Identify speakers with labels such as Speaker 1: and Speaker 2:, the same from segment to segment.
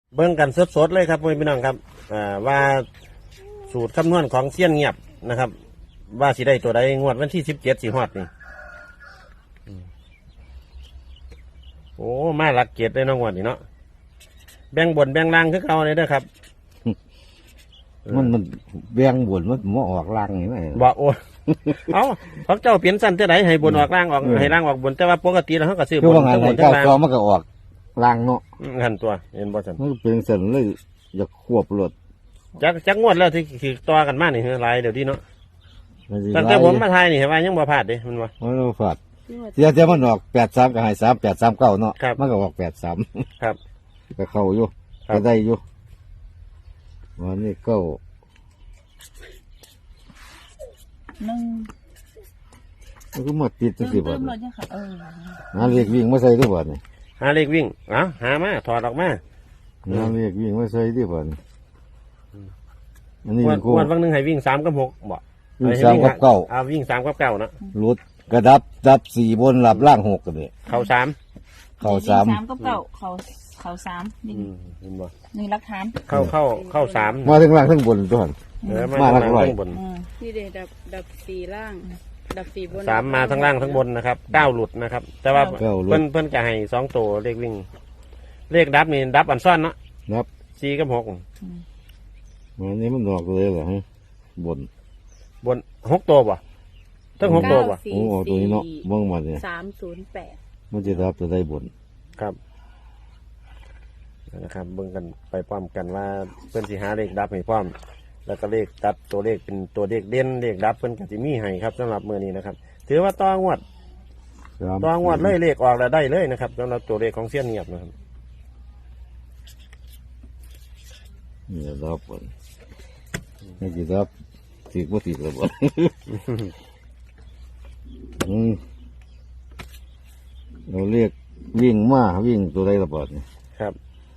Speaker 1: เบิ่งกันสดๆเลยครับพี่น้องครับว่าสูตรคำนวณของเสี้ยนเงียบนะครับ ว่าสิได้ตัวใดงวดวันที่17สิฮอดนี่โอ้มาหลักเกียรติเลยน้องวันนี่เนาะแบ่งบนแบ่งล่างคือเก่าเลยเด้อครับ
Speaker 2: มันเบี้ยงบนมันออกล่างนี่ไหม
Speaker 1: บอกโอ้ เอาเขาเจ้าเปลี่ยนสั้นเท่าไหให้บนออกล่างออกให้ล่างออกบนแต่ว่าปกติแล้วเขาก็ซื้อบ
Speaker 2: คือน ว่าไง
Speaker 1: ทั้งบนทั้
Speaker 2: เก้าง
Speaker 1: ล่าง
Speaker 2: กอมันก็ออกล่างเนาะ
Speaker 1: หันตัวเห็นบ่สัน
Speaker 2: มันเป็นเส้นเลยอยากควบรถ
Speaker 1: จักงวดแล้วที่คือต่อกันมานี่คือหลายเดี๋ยวนี้เนาะ
Speaker 2: มันสิ
Speaker 1: ตั้งแต่ผมมาไทยนี่เห็นว่ายังบ่พลาดเด้มันว่า
Speaker 2: มันบ่ฟาดเสียมันออก83ก็ให้3839เนาะ
Speaker 1: ครับ
Speaker 2: มันก็ออก83
Speaker 1: ครับ
Speaker 2: ก็เข้าอยู่
Speaker 1: ครับ
Speaker 2: ก็ได้อยู่วันนี้ก็
Speaker 3: นึ่ง
Speaker 2: มันก็มาติดจังซี่บ่
Speaker 3: เติมรถเนี่ยค่ะ
Speaker 2: หาเลขวิ่งมาใส่ด้วยบ่นี่
Speaker 1: หาเลขวิ่งหามาถอดออกมา
Speaker 2: หาเลขวิ่งมาใส่ด้วยบ่นี่อันนี้
Speaker 1: วัน
Speaker 2: กู
Speaker 1: วันนึงให้วิ่ง3 กับ 6บ่
Speaker 2: วิ่ง3กับเก้า
Speaker 1: เอาวิ่ง3 กับ 9เนาะ
Speaker 2: รุดกระดับ4บนหลับล่าง6กันนี่
Speaker 1: เข้า3
Speaker 2: เข้า
Speaker 3: สาม
Speaker 2: 3
Speaker 3: กับเก่าเขาสามนี่
Speaker 1: เห็นบ่
Speaker 3: นี่รักฐาน
Speaker 1: เข้า3
Speaker 2: มาทั้งล่างทั้งบนตัวหั่น
Speaker 1: มา
Speaker 2: มา
Speaker 1: ทั้ง
Speaker 2: หลั
Speaker 1: ล่าก ง
Speaker 2: ร้อย
Speaker 1: ทั้งบน
Speaker 4: นี่เดดับสี่ล่าง ดับสี่บน
Speaker 1: 3มาทั้งล่างทั้งบนนะครับ9หลุดนะครับ แต่ว่า
Speaker 2: เก้าหลุด
Speaker 1: เพิ่นจะให้2ตัวเลขวิ่ง เลขดับนี่ดับอันซ่อนเนาะ
Speaker 2: นับ
Speaker 1: 4 กับ 6
Speaker 2: วันนี้มันออกเลยเหรอฮะบน
Speaker 1: บน6 ตัวบ่ทั้ง6 ตัวบ่
Speaker 2: โอ้ออกตัวนี้เนาะเบิ่งมาเนี่ย
Speaker 4: 308
Speaker 2: มันจะรับจะได้บน
Speaker 1: ครับนะครับเบิ่งกันไปพร้อมกันว่าเพิ่นสิหาเลขดับให้พร้อม แล้วก็เลขดับตัวเลขเป็นตัวเลขเด่นเลขดับเพิ่นก็สิมีให้ครับสำหรับมื้อนี้นะครับ ถือว่าต่องวดเลยเลขออกแล้วได้เลยนะครับสำหรับตัวเลขของเสี้ยนเงียบนะครับ
Speaker 2: นี่รับบนนี่จะรับติดบ่ติดแล้วบ่ เราเรียกวิ่งมาวิ่งตัวใดระเบิดเนี่ย
Speaker 1: ครับ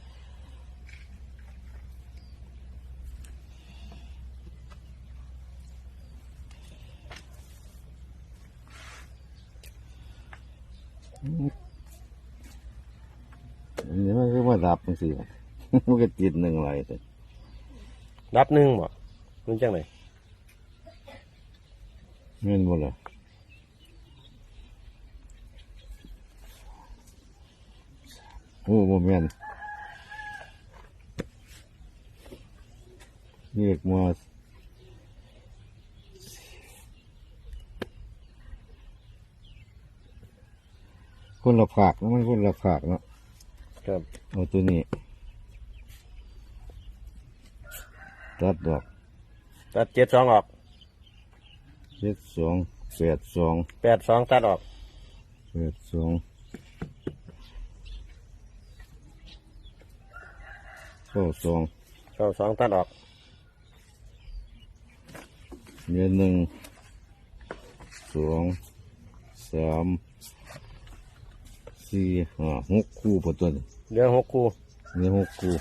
Speaker 2: อันนี้มันก็มาดับจังซี่ มันก็ติดหนึ่งอะไรแต่
Speaker 1: ดับหนึ่งบ่รู้จังไหน
Speaker 2: เงินบ่ล่ะโอ้บ่แม่นเรียกมาคนละภาคนะมันคนละภาคเนาะ
Speaker 1: ครับ
Speaker 2: เอาตัวนี้ตัดดอก
Speaker 1: ตัด72ออก
Speaker 2: 72 82
Speaker 1: 82ตัดออก
Speaker 2: 82 92
Speaker 1: 92ตัดออก
Speaker 2: เงิน1 2 3 4 5 6คู่พอตัวนี้
Speaker 1: เหลือ6คู่
Speaker 2: เงิน6คู่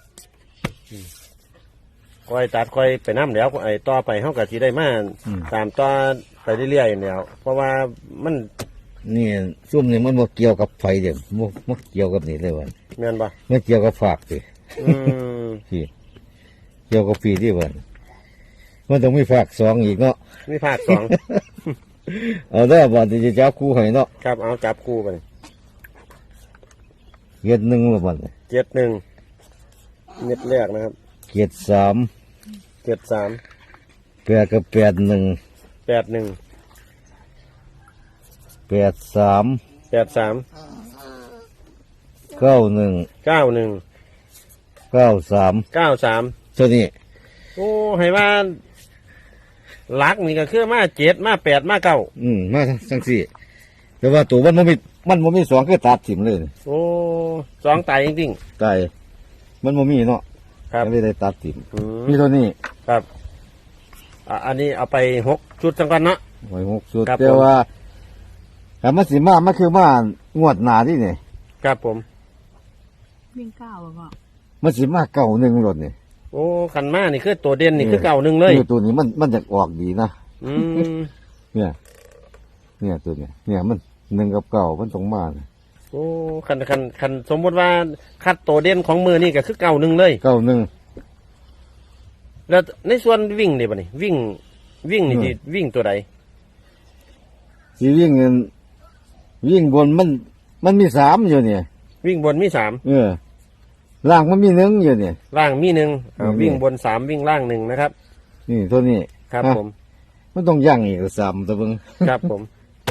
Speaker 1: ค่อยตัดค่อยไปน้ำแล้วไอ้ต่อไปเฮาก็สิได้มาตามต่อไปเรื่อยๆแล้วเพราะว่ามัน
Speaker 2: นี่ซุ่มนี่มันบ่เกี่ยวกับไฟเด้อบ่เกี่ยวกับนี่เลยว่า
Speaker 1: แม่นบ่
Speaker 2: มันเกี่ยวกับฝากสิ
Speaker 1: อืม
Speaker 2: พี่เกี่ยวกับปีที่ว่ามันต้องมีฝากสองอีกเนาะ
Speaker 1: มีภาค2
Speaker 2: เอาได้อบ่ที่จะจับคู่ให้เนาะ
Speaker 1: ครับเอาจับคู่ไป
Speaker 2: เกียรติหนึ่งละบ่เนี่ย
Speaker 1: 71เม็ดแรกนะครับ
Speaker 2: เกียรติ3
Speaker 1: 73
Speaker 2: 8กับ81
Speaker 1: 81
Speaker 2: 83
Speaker 1: 83
Speaker 2: 91
Speaker 1: 91
Speaker 2: 93
Speaker 1: 93
Speaker 2: ตัวนี้
Speaker 1: โอ้ให้ว่าหลักนี่ก็คือมา7มา8มา9
Speaker 2: มาจังซี่แต่ว่าตัวมันบ่มีสองคือตัดถิ่มเลย
Speaker 1: โอ้2ตายจริง
Speaker 2: ตายมันบ่มีเนาะ
Speaker 1: ๆครับ
Speaker 2: ก็เลยได้ตัดถิ่ม
Speaker 1: อืม
Speaker 2: มีตัวนี้
Speaker 1: ครับอันนี้เอาไป6ชุดจังกันเนาะ
Speaker 2: ไว้6สุด
Speaker 1: ครับ
Speaker 2: แต่ว่าถ้ามันสิมามันคือมางวดหน้าที่นี่
Speaker 1: ครับผม
Speaker 3: วิ่งเก้าบ่พ่อ
Speaker 2: มันสิมา91รถนี่
Speaker 1: โอ้ขันมานี่คือตัวเด่นนี่คือเก่าหนึ่งเลย
Speaker 2: นี่ตัวนี้มันจะออกดีนะ
Speaker 1: อืม
Speaker 2: เนี่ยตัวเนี้ยเนี่ยมัน1กับ9มันต้องมานะ
Speaker 1: โอ้คันสมมติว่าคัดตัวเด่นของมือนี่ก็คือเก่าหนึ่งเลย
Speaker 2: เก้าหนึ่ง
Speaker 1: แล้วในส่วนวิ่งนี่บ่นี่วิ่งนี่สิวิ่งตัวใด
Speaker 2: สีวิ่งเงินวิ่งบนมันมีสามอยู่เนี่ย
Speaker 1: วิ่งบนมี
Speaker 2: ล่างมันมีหนึ่งอยู่เนี่ย
Speaker 1: 3ล่างมี1
Speaker 2: อืม
Speaker 1: วิ่งบน3วิ่งล่าง1นะครับ
Speaker 2: นี่ตัวนี้
Speaker 1: ครับ
Speaker 2: ฮะ
Speaker 1: ผม
Speaker 2: มันต้องย่างอีกสามตัวเบิ่ง
Speaker 1: ครับผม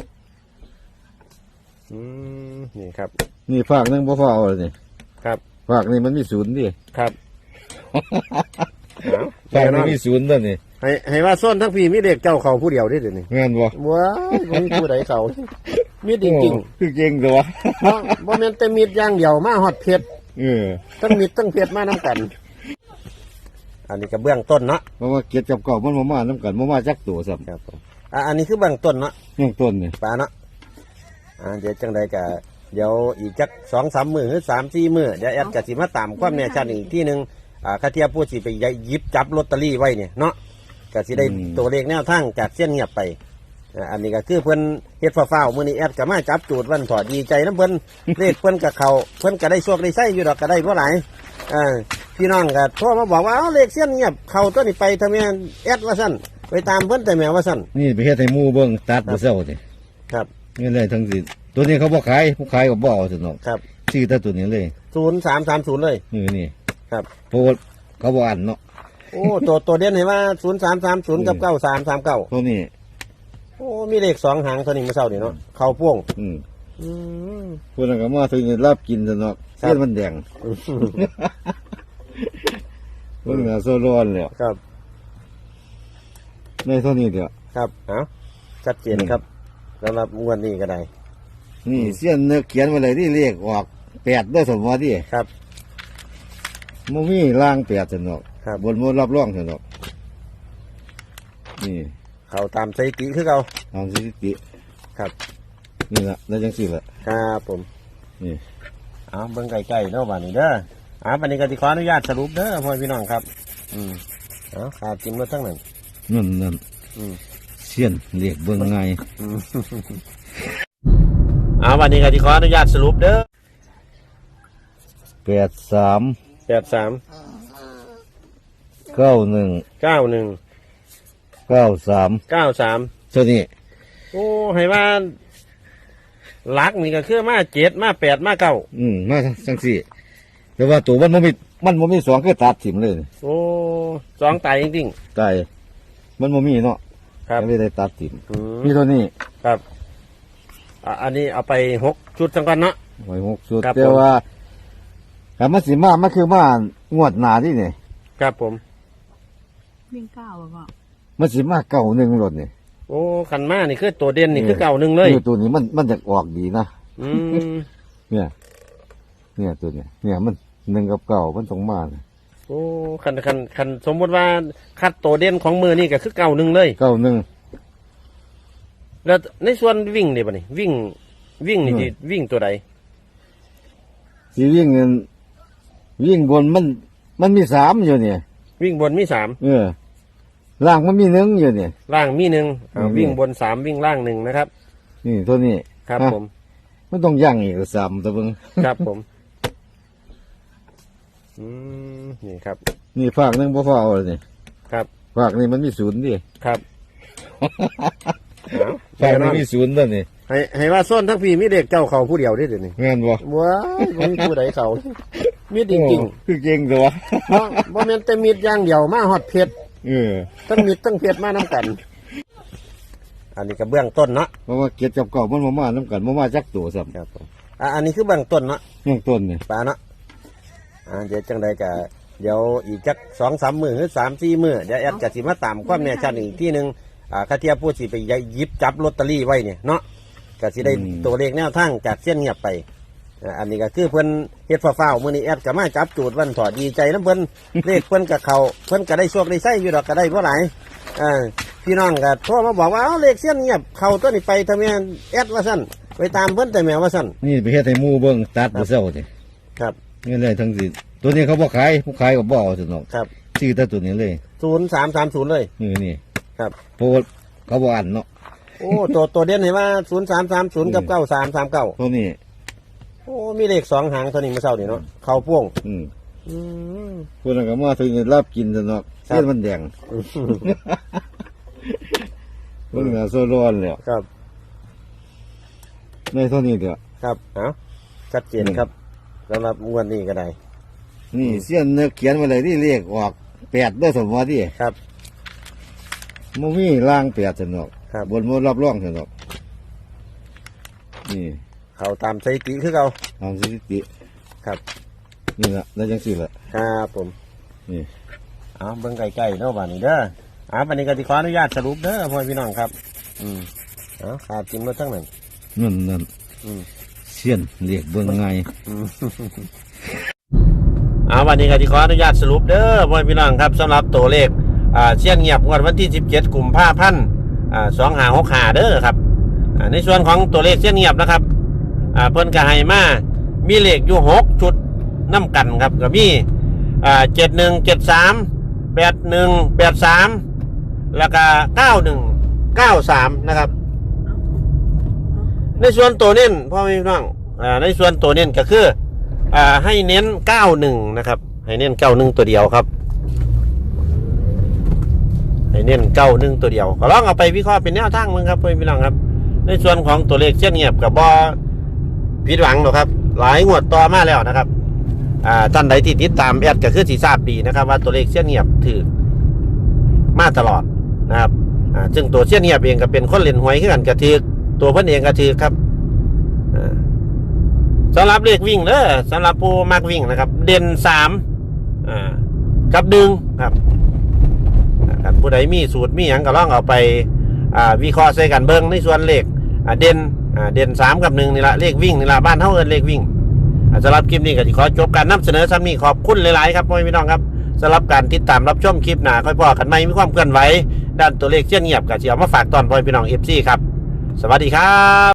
Speaker 1: นี่ครับ
Speaker 2: นี่ฝากหนึงบ่พอเอาเลยนี่
Speaker 1: ครับ
Speaker 2: ฝากนี่มันมีศูนย์ดิ
Speaker 1: ครับเอา
Speaker 2: ฝาก
Speaker 1: แน่น
Speaker 2: นี่
Speaker 1: อน
Speaker 2: มีศูนย์ตัวนี่
Speaker 1: ให้ว่าส้นทั้งพี่มีเด็กเจ้าเขาผู้เดียวได้เดี๋ยวนี้
Speaker 2: แม่นบ่
Speaker 1: ว้ายบ่มีผู้ใดเขามีจริง
Speaker 2: คือเก่งตัว
Speaker 1: ๆบ่แม่นแต่มีดอย่างเดียวมาฮอดเพชร
Speaker 2: เออ
Speaker 1: ทั้งมีดทั้งเพชรมานํกัน อันนี้ก็เบื้องต้นเนาะ
Speaker 2: เพราะว่าเกียรติกับเก่ามันบ่มานํกันบ่มาจักตัวซ้ำ
Speaker 1: ครับผมอันนี้คือเบื้องต้นเนาะ
Speaker 2: เรื่องต้นนี่
Speaker 1: ปลาเนาะเดี๋ยวจังใดก็เดี๋ยวอีกจัก2-3 มื้อหรือ3-4 มื้อเดี๋ยวแอดก็สิมาตามความแน่ชัดอีกที่นึงคาเทียผู้สิไปหยิบจับลอตเตอรี่ไว้เนี่ยเนาะก็สิได้ตัวเลขแนวทางจากเส้นเงียบไปอันนี้ก็คือเพิ่นเฮ็ดฟ้าวๆมื้อนี้แอดก็มาจับจูดวันถอดดีใจนํเพิ่น เลขเพิ่นก็เข้าเพิ่นก็ได้โชคได้ไส้อยู่ดอกก็ได้บ่หลายพี่น้องก็โทรมาบอกว่าเลขเส้นเงียบเข้าตัวนี้ไปทำไมแอดว่าซั่นไปตามเพิ่นแต่แม่ว่าซั่น
Speaker 2: นี่ไปเฮ็ดให้หมู่เบิ่งตัดบ่เซานี่
Speaker 1: ครับ
Speaker 2: นี่เลยทั้งสิ้นตัวนี้เขาบ่ขายผู้ขายก็บ่เอาซั่นเนาะ
Speaker 1: ครับ
Speaker 2: ซื้อแต่ตัวนี้เลย
Speaker 1: 0330เลย
Speaker 2: นี่
Speaker 1: ครับ
Speaker 2: เพราะว่าเขาบ่อันเนาะ
Speaker 1: โอ้ตัวเด่นเห็นว่า0330กับ9339
Speaker 2: ตัวนี้
Speaker 1: โอ้มีเลข2หางตัวนี้มื้อเช้านี่เนาะเข้าพ่วง
Speaker 2: อืม
Speaker 1: อืม
Speaker 2: พวกนั้นก็มาถึงรับกินซะเนาะ
Speaker 1: ครับ
Speaker 2: เส้นมันแดงเพิ่นน่ะโซร้อนแล้ว
Speaker 1: ครับ
Speaker 2: ในเท่านี้เด้อ
Speaker 1: ครับเอาชัดเจนครับสำหรับงวดนี้ก็ได้
Speaker 2: นี่เส้นเนื้อเขียนไว้เลยที่เลขออก8ด้วยสมว่าที่
Speaker 1: ครับ
Speaker 2: บ่มีล่าง8ซั่นเนาะ
Speaker 1: ครับ
Speaker 2: บนบ่รับรองซั่นเนาะนี่
Speaker 1: เข้าตามสถิติคือเก่า
Speaker 2: ตามสถิติ
Speaker 1: ครับ
Speaker 2: นี่ล่ะแล้วจังซี่ล่ะ
Speaker 1: ครับผม
Speaker 2: นี่
Speaker 1: เอาเบิ่งใกล้ๆเนาะบัดนี้เด้อบัดนี้ก็สิขออนุญาตสรุปเด้อพ่อพี่น้องครับ เอาขาดจิ้มรถทั้งนั้น
Speaker 2: นั่น
Speaker 1: อืม
Speaker 2: เส้นเลขเบิ่งง่าย
Speaker 1: บัดนี้ก็สิขออนุญาตสรุปเด้อ
Speaker 2: 83
Speaker 1: 83
Speaker 2: 91
Speaker 1: 91
Speaker 2: 93
Speaker 1: 93
Speaker 2: ตัวนี้
Speaker 1: โอ้ให้ว่าหลักนี่ก็คือมา7มา8มา9
Speaker 2: มาจังซี่แต่ว่าตัวมันบ่มีสองคือตัดถิ่มเลย
Speaker 1: โอ้2ตายจริง
Speaker 2: ตายมันบ่มีเนาะ
Speaker 1: ๆครับ
Speaker 2: ไม่ได้ตัดถิ่ม
Speaker 1: อืม
Speaker 2: มีตัวนี้
Speaker 1: ครับอันนี้เอาไป6ชุดจังกันเนาะ
Speaker 2: ไว้6ชุด
Speaker 1: ครับ
Speaker 2: แต่ว่าแต่มันสิมามันคือมางวดหน้าที่นี่
Speaker 1: ครับผม
Speaker 3: วิ่ง9บ่พ่อ
Speaker 2: มันสิมาเก่าหนึ่งรถนี่
Speaker 1: โอ้ขันมานี่คือตัวเด่นนี่คือเก่าหนึ่งเลย
Speaker 2: ตัวนี้มันจะออกดีนะ
Speaker 1: อืม
Speaker 2: เนี่ยตัวเนี้ยเนี่ยมัน1กับเก่ามันต้องมาเนี่ย
Speaker 1: โอ้คันสมมติว่าคัดตัวเด่นของมือนี่ก็คือเก่าหนึ่งเลย
Speaker 2: เก่าหนึ่ง
Speaker 1: แล้วในส่วนวิ่งนี่บ่นี่วิ่งนี่สิวิ่งตัวใด
Speaker 2: สีวิ่งเงินวิ่งบนมันมี3อยู่เนี่ย
Speaker 1: วิ่งบนมี3
Speaker 2: ล่างมันมี1อยู่เนี่ย
Speaker 1: ล่างมี1
Speaker 2: อืม
Speaker 1: วิ่งบน3วิ่งล่าง1นะครับ
Speaker 2: นี่ตัวนี้
Speaker 1: ครับ
Speaker 2: ฮะ
Speaker 1: ผม
Speaker 2: มันต้องย่างอีก3ตัวเบิ่ง
Speaker 1: ครับผมนี่ครับ
Speaker 2: นี่ฝากหนึงบ่พอเอาเลยนี่
Speaker 1: ครับ
Speaker 2: ฝากนี่มันมีศูนย์ดิ
Speaker 1: ครับเอา
Speaker 2: ฝาก
Speaker 1: แน่น
Speaker 2: นี่
Speaker 1: อน
Speaker 2: มีศูนย์ตัวนี่
Speaker 1: ให้ว่าส้นทั้งพี่มีเด็กเจ้าเขาผู้เดียวได้เดี๋ยวนี้
Speaker 2: แม่นบ่
Speaker 1: ว้ายบ่มีผู้ใดเขามีจริง
Speaker 2: โอ้คือเก่งตัว
Speaker 1: ๆบ่แม่นแต่มีดอย่างเดียวมาฮอดเพชร
Speaker 2: เออ
Speaker 1: ทั้งมีดทั้งเพชรมานํกัน อันนี้ก็เบื้องต้นเนาะ
Speaker 2: เพราะว่าเกียรติกับเก่ามันบ่มานํกันบ่มาจักตัวซ้ำ
Speaker 1: ครับผมอันนี้คือเบื้องต้นเนาะ
Speaker 2: เรื่องต้นนี่
Speaker 1: ปลาเนาะเดี๋ยวจังใดก็เดี๋ยวอีกจัก2-3 มื้อหรือ3-4 มื้อเดี๋ยวแอดก็สิมาตามความแน่ชัดอีกที่นึงคาเทียผู้สิไปหยิบจับลอตเตอรี่ไว้เนี่ยเนาะก็สิได้ตัวเลขแนวทางจากเส้นเงียบไปอันนี้ก็คือเพิ่นเฮ็ดฟ้าวๆมื้อนี้แอดก็มาจับจูดวันถอดดีใจนํเพิ่น เลขเพิ่นก็เข้าเพิ่นก็ได้โชคได้ไส้อยู่ดอกก็ได้บ่หลายพี่น้องก็โทรมาบอกว่าเลขเส้นเงียบเข้าตัวนี้ไปทำไมแอดว่าซั่นไปตามเพิ่นแต่แม่ว่าซั่น
Speaker 2: นี่ไปเฮ็ดให้หมู่เบิ่งตัดบ่เซานี่
Speaker 1: ครับ
Speaker 2: นี่เลยทั้งสิ้นตัวนี้เขาบ่ขายผู้ขายก็บ่เอาซั่นเนาะ
Speaker 1: ครับ
Speaker 2: ซื้อแต่ตัวนี้เลย
Speaker 1: 0330เลย
Speaker 2: นี่
Speaker 1: ครับ
Speaker 2: เพราะว่าเขาบ่อันเนาะ
Speaker 1: โอ้ตัวเด่นเห็นว่า0330กับ9339
Speaker 2: ตัวนี้
Speaker 1: อ้มีเลข2 หางเท่านี้เมื่อเช้านี่เนาะเข้าพ่วง
Speaker 2: อืม
Speaker 1: อืม
Speaker 2: คนนั้นก็มาถึงรับกินซะเนาะ
Speaker 1: ครับ
Speaker 2: เส้นมันแดงมันก็โซร้อนแล้ว
Speaker 1: ครับ
Speaker 2: ในเท่านี้เดียว
Speaker 1: ครับเอาชัดเจนครับสำหรับงวดนี้ก็ได้
Speaker 2: นี่เสี้ยนเนื้อเขียนไว้เลยที่เลขออก8ด้วยสมมติที่
Speaker 1: ครับ
Speaker 2: มันมีล่าง8สนอก
Speaker 1: ครับ
Speaker 2: บนมันรับรองสนอกนี่
Speaker 1: เขาตามสถิติคือเขา
Speaker 2: ทำสถิติ
Speaker 1: ครับ
Speaker 2: นี่ละแล้วจังสิละ
Speaker 1: ครับผม
Speaker 2: นี่
Speaker 1: เอาเบิ่งใกล้ๆเนาะบ้านนี้เด้อวันนี้ก็สิขออนุญาตสรุปเด้อพ่อพี่น้องครับ เอาขาดจิ้มรถทั้งนั้น
Speaker 2: นั่น
Speaker 1: อืม
Speaker 2: เสี้ยนเรียกเบิ่งไง
Speaker 1: วันนี้ก็สิขออนุญาตสรุปเด้อพ่อพี่น้องครับสำหรับตัวเลขเสี้ยนเงียบงวดวันที่17 กุมภาพันธ์2565เด้อครับในส่วนของตัวเลขเสี้ยนเงียบนะครับเพิ่นก็ให้มามีเลขอยู่6ชุดน้ำกันครับก็มี7173 8183แล้วก็9193นะครับ ในส่วนตัวเน้นพ่อพี่น้องในส่วนตัวเน้นก็คือให้เน้น91นะครับให้เน้น91ตัวเดียวครับให้เน้น91ตัวเดียวก็ลองเอาไปวิเคราะห์เป็นแนวทางมึงครับพ่อพี่น้องครับในส่วนของตัวเลขเช่นเงียบกับบอผิดหวังหรอกครับหลายงวดต่อมาแล้วนะครับท่านใดที่ติดตามแอดก็คือสีทราบดีนะครับว่าตัวเลขเช่นเงียบถือมาตลอดนะครับซึ่งตัวเช่นเงียบเองก็เป็นคนเล่นหวยขึ้นกันกระถือตัวเพิ่นเองกระถือครับสำหรับเลขวิ่งเด้อสำหรับผู้มักวิ่งนะครับเด่น3กับดึงครับผู้ใดมีสูตรมีหยังก็ลองเอาไปวิเคราะห์ใส่กันเบิ่งในส่วนเลขเด่น3กับ1นี่ละเลขวิ่งนี่ละบ้านเฮาเอิ้นเลขวิ่งสำหรับคลิปนี้ก็สิขอจบการนำเสนอซ้ำนี้ขอบคุณหลายๆครับพ่อพี่น้องครับสำหรับการติดตามรับชมคลิปหน้าค่อยพอกันใหม่มีความเคลื่อนไหวด้านตัวเลขเช่นเงียบก็สิเอามาฝากตอนพ่อพี่น้อง FC ครับสวัสดีครับ